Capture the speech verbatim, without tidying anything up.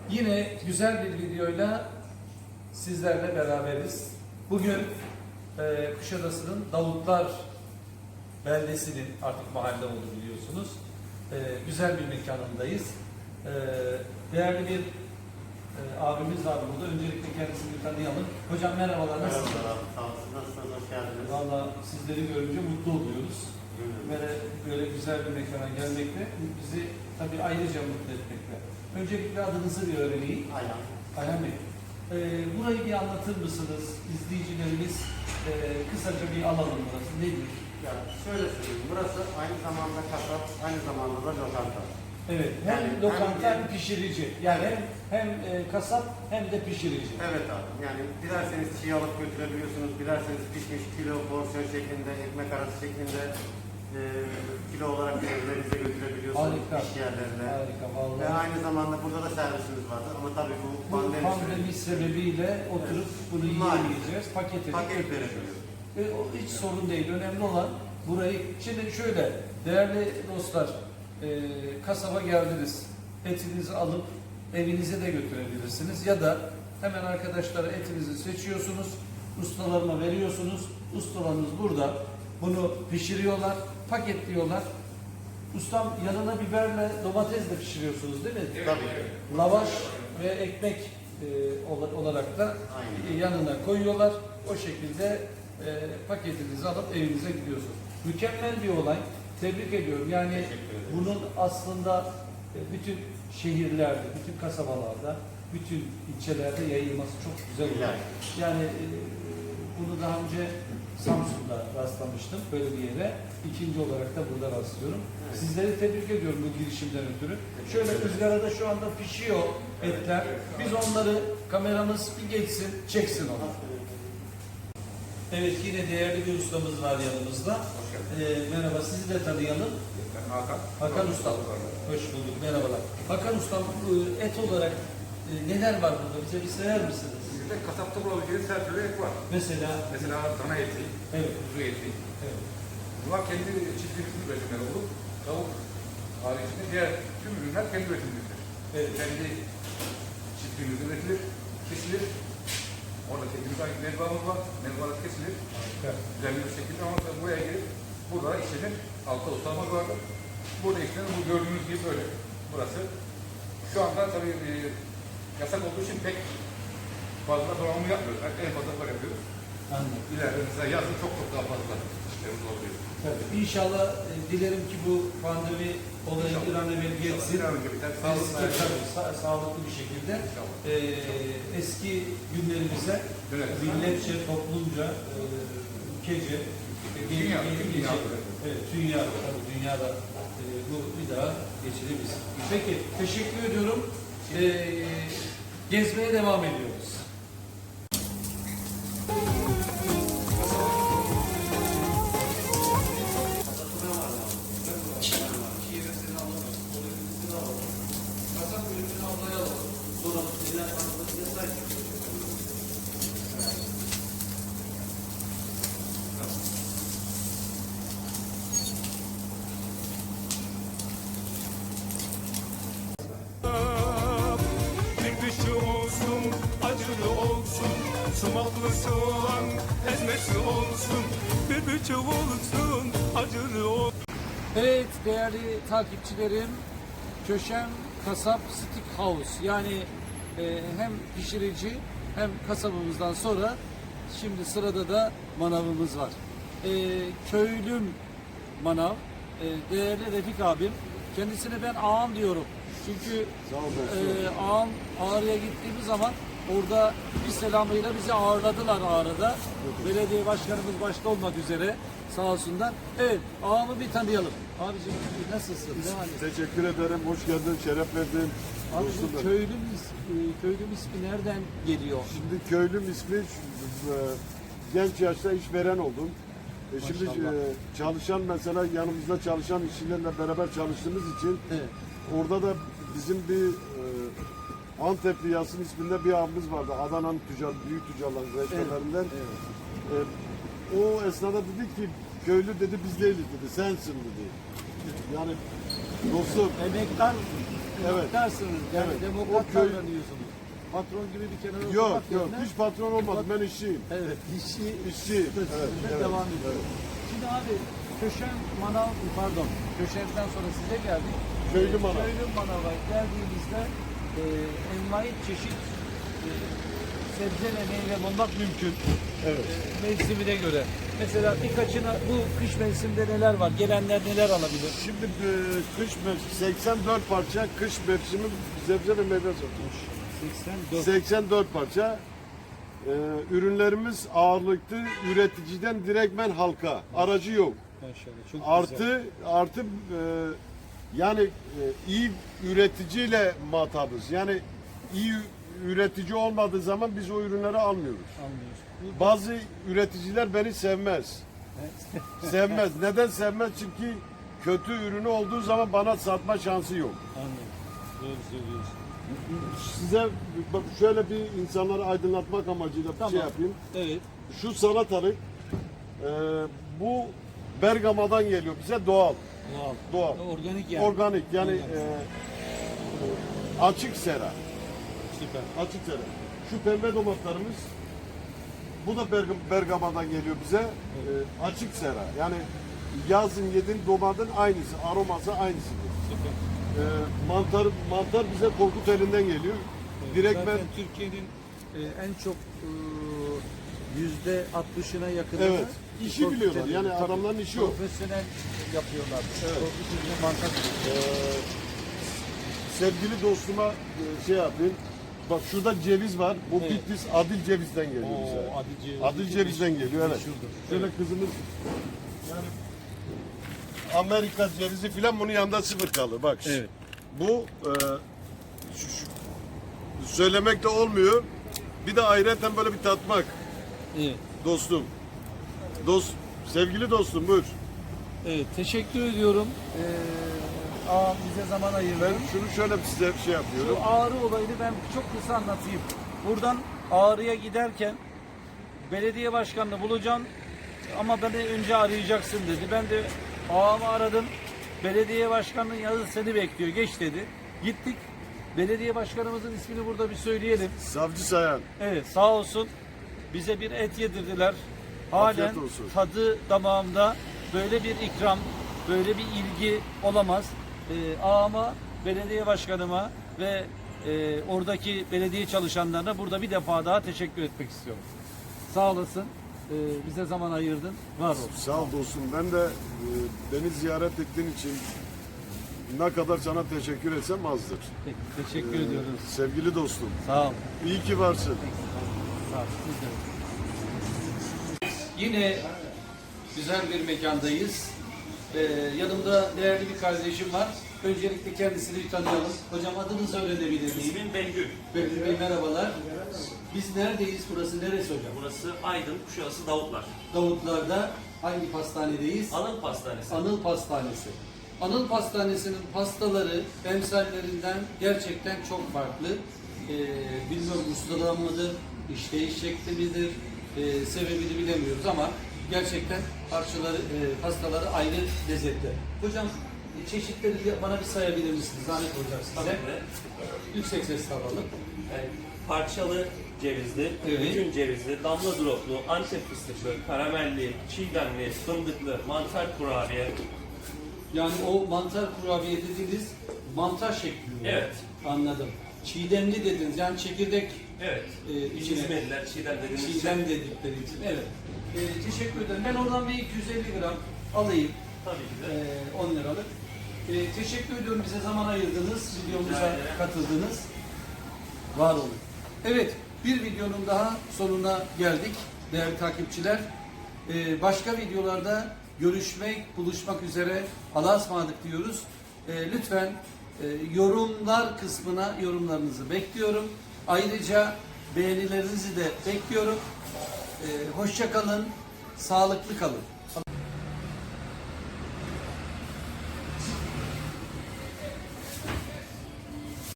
Yine güzel bir videoyla sizlerle beraberiz. Bugün e, Kuşadası'nın Davutlar beldesinin artık mahalle oldu biliyorsunuz. E, güzel bir mekanındayız. E, değerli bir e, abimiz var burada. Öncelikle kendisini bir tanıyalım. Hocam merhabalar. Nasılsınız? Merhabalar. Sağ olun. Nasılsınız? Hoş geldiniz. Valla sizleri görünce mutlu oluyoruz. Böyle, böyle güzel bir mekana gelmekle bizi tabii ayrıca mutlu etmekle. Öncelikle adınızı bir öğreneyim. Aynen. Ayhan Bey, e, burayı bir anlatır mısınız? İzleyicilerimiz e, kısaca bir alalım burası. Nedir? Ya şöyle söyleyeyim. Burası aynı zamanda kasap, aynı zamanda da lokanta. Evet, hem Yani lokanta hem- hem pişirici. Yani hem, hem e, kasap hem de pişirici. Evet abi. Yani dilerseniz çiğ alıp götürebiliyorsunuz. Dilerseniz pişmiş kilo, porsiyon şeklinde, ekmek arası şeklinde e, kilo olarak evlerinize götürebiliyorsunuz. Harika. İş yerlerine. Harika Ve vallahi. aynı zamanda burada da servisimiz vardı. Ama tabii bu Bu pandemi, pandemi sebebiyle oturup bunu Maalesef. yiyemeyeceğiz. Paket edip paket götüreceğiz. verebiliyoruz. E, o hiç sorun değil. Önemli olan burayı... Şimdi şöyle, değerli dostlar, e, kasaba geldiniz. Etinizi alıp evinize de götürebilirsiniz. Ya da hemen arkadaşlara etinizi seçiyorsunuz, ustalarına veriyorsunuz. Ustalarınız burada bunu pişiriyorlar, paketliyorlar. Ustam yanına biberle domatesle pişiriyorsunuz değil mi? Tabii. Lavaş ve ekmek e, ola- olarak da Aynen. yanına koyuyorlar. O şekilde e, paketinizi alıp evinize gidiyorsunuz. Mükemmel bir olay. Tebrik ediyorum. Yani Teşekkür ederim. bunun aslında e, bütün şehirlerde, bütün kasabalarda, bütün ilçelerde yayılması çok güzel olay. İlahi. Yani e, bunu daha önce Samsun'da rastlamıştım böyle bir yere. İkinci olarak da burada rastlıyorum. Evet. Sizleri tebrik ediyorum bu girişimden ötürü. Şöyle ızgarada şu anda pişiyor etler. Biz onları kameramız bir geçsin, çeksin onu. Evet, yine değerli bir ustamız var yanımızda. Ee, merhaba, sizi de tanıyalım. Ben Hakan. Hakan Ustam. Hoş bulduk, merhabalar. Hakan Ustam, e, et olarak e, neler var burada? Bize bir sayar mısınız? Bizde kasapta bulabileceğiniz her türlü et var. Mesela, Mesela dana eti, evet, kuzu eti. evet. Bunlar kendi çiftliğimizin üretimleri olur. Tavuk haricinde diğer tüm ürünler kendi üretimimizdir. Evet. Kendi çiftliğimizde üretilir, kesilir. Orada kendimize ait mezbahımız var. Mezbahlar kesilir. Harika. Düzenli bir şekilde ama tabii buraya gelip burada da işlenir. Altta ustamız vardır. Burada işlenir. Bu gördüğünüz gibi böyle. Burası. Şu anda tabii e, yasak olduğu için pek fazla donanımı yapmıyoruz. Yani en fazla var yapıyoruz. Anladım. İleride mesela yazın çok çok daha fazla işlerimiz oluyor. Tabii. İnşallah e, dilerim ki bu pandemi olayı bir an evvel geçsin. Bir an önce biter. Eski, Sağlıklı tabii, sa- sağlıklı bir şekilde İnşallah. e, eski günlerimize Döneriz. milletçe, toplumca, e, ülkece, e, geri- Dünya, geri tüm geçecek. dünyada. Evet, dünyada, tabii dünyada e, bu bir daha geçilebilir. Peki, teşekkür ediyorum. E, gezmeye devam ediyoruz. Bir dışı olsun, acılı olsun, sumaklı soğan ezmesi olsun. Bir dışı olsun, acılı olsun. Evet değerli takipçilerim, Köşem Kasap Steakhouse, yani e, hem pişirici hem kasabımızdan sonra şimdi sırada da manavımız var. E, köylüm manav, e, değerli Refik abim, kendisine ben ağam diyorum. Çünkü e, ağam Ağrı'ya gittiğimiz zaman orada bir selamıyla bizi ağırladılar Ağrı'da. Belediye başkanımız başta olmak üzere sağ olsunlar. Evet, ağamı bir tanıyalım. Abicim nasılsın? Ne halin? Teşekkür ederim. Hoş geldin. Şeref verdin. Abi Dostum bu benim. köylüm, is- e, köylüm ismi nereden geliyor? Şimdi köylüm ismi e, genç yaşta işveren oldum. E, şimdi Maşallah. e, çalışan mesela yanımızda çalışan işçilerle beraber çalıştığımız için Evet. orada da bizim bir e, Antepli Yasin isminde bir abimiz vardı. Adana'nın tüccar, büyük tüccarların reçelerinden. Evet. E, o esnada dedi ki köylü dedi biz değiliz dedi. Sensin dedi. Yani dostum Emektar demokratsınız. Yani Evet. demokrat O köy- davranıyorsunuz. Patron gibi bir kenara Yok oturmak yok yerine- hiç patron olmadım ben işçiyim. Evet, işçi, İşçi, statüsünde evet, evet, devam ediyor. Şimdi abi Köşen Manav, pardon, Köşen'den sonra size geldik. Köylü Ee, Manav. Köylü Manav'a geldiğimizde e, envai çeşit e, sebze ve meyve bulmak mümkün. Evet. E, mevsimine göre. Mesela birkaçına bu kış mevsiminde neler var? Gelenler neler alabilir? Şimdi e, kış mevsimi seksen dört parça kış mevsimi sebze ve meyve satılmış. seksen dört. seksen dört parça. E, ürünlerimiz ağırlıklı üreticiden direktmen halka. Aracı yok. Maşallah, çok Artı güzel. artı e, yani e, iyi üreticiyle muhatabız. Yani iyi üretici olmadığı zaman biz o ürünleri almıyoruz. Anlıyoruz. Bu- Bazı üreticiler beni sevmez. Sevmez. Neden sevmez? Çünkü kötü ürünü olduğu zaman bana satma şansı yok. Anlıyorum. Doğru söylüyorsun. Size bak şöyle bir insanları aydınlatmak amacıyla bir Tamam. şey yapayım. Evet. Şu salatalık e, bu Bergama'dan geliyor bize doğal. Doğal. Doğal. Organik yani. Organik yani Organik. e, e, açık sera. Süper. Açık sera. Şu pembe domatlarımız bu da Bergam- Bergama'dan geliyor bize. E, açık sera. Yani yazın yediğin domatın aynısı. Aroması aynısıdır. Süper. E, mantar mantar bize Korkut elinden geliyor. Direkt ben Zaten Türkiye'nin e, en çok e, yüzde altmışına yakın. Evet. İşi biliyorlar. Yani adamların işi o. Profesyonel yapıyorlar. Evet. Profesyonel mantar. Ee, sevgili dostuma e, şey yapayım. Bak şurada ceviz var. Bu Evet. Bitlis Adil cevizden geliyor bize. Oo, Adil ceviz. Adil cevizden geliyor evet. Meşhurdur. Şöyle kızımız yani Amerika cevizi filan bunun yanında sıfır kalır. Bak Evet. bu e, şu, şu, söylemek de olmuyor. Bir de ayrıca böyle bir tatmak Evet. dostum. Dost, sevgili dostum buyur. Evet. Teşekkür ediyorum. Ee, ağam bize zaman ayırdı. Ben şunu şöyle size bir şey yapıyorum. Şu Ağrı olayını ben çok kısa anlatayım. Buradan Ağrı'ya giderken belediye başkanını bulacağım ama beni önce arayacaksın dedi. Ben de ağamı aradım. Belediye başkanının yazı seni bekliyor. Geç dedi. Gittik. Belediye başkanımızın ismini burada bir söyleyelim. Savcı Sayan. Evet, sağ olsun. Bize bir et yedirdiler. Halen Afiyet olsun. tadı damağımda. Böyle bir ikram, böyle bir ilgi olamaz. Ee, ağama, belediye başkanıma ve e, oradaki belediye çalışanlarına burada bir defa daha teşekkür etmek istiyorum. Sağ olasın. Ee, bize zaman ayırdın. Var ol. Sağ ol dostum. Ben de e, beni ziyaret ettiğin için ne kadar sana teşekkür etsem azdır. Peki, teşekkür Ee, ediyoruz. Sevgili dostum. Sağ ol. İyi ki varsın. Sağ ol. Siz de. Yine güzel bir mekandayız. Ee, yanımda değerli bir kardeşim var. Öncelikle kendisini bir tanıyalım. Hocam adınızı öğrenebilir miyim? İsmim Bengül. Bekir Bey merhabalar. Biz neredeyiz? Burası neresi hocam? Burası Aydın, Kuşadası Davutlar. Davutlar'da hangi pastanedeyiz? Anıl Pastanesi. Anıl Pastanesi. Anıl Pastanesi'nin pastaları emsallerinden gerçekten çok farklı. Ee, bilmiyorum ustalığa mıdır, işleyiş şekli midir, ee, sebebini bilemiyoruz ama gerçekten parçaları, e, pastaları ayrı lezzetli. Hocam e, çeşitleri bir- bana bir sayabilir misiniz? Zahmet olacak size. Tabii ki. Yüksek sesle alalım. Yani parçalı cevizli, Evet. bütün cevizli, damla droplu, antep fıstıklı, karamelli, çiğdemli, fındıklı, mantar kurabiye. Yani o mantar kurabiye dediğiniz mantar şeklinde. Evet. Anladım. Çiğdemli dediniz yani çekirdek Evet. e, içine. İzmediler, çiğdem dediğimiz Çiğdem şey. dedikleri için. Evet. E, teşekkür ederim. Ben oradan bir iki yüz elli gram alayım. Tabii ki de. E, on liralık. E, teşekkür ediyorum bize zaman ayırdınız. Videomuza Rica ederim. katıldınız. Var olun. Evet. Bir videonun daha sonuna geldik değerli takipçiler. E, başka videolarda görüşmek, buluşmak üzere. Allah'a ısmarladık diyoruz. E, lütfen e, yorumlar kısmına yorumlarınızı bekliyorum. Ayrıca beğenilerinizi de bekliyorum. E, hoşça kalın, sağlıklı kalın.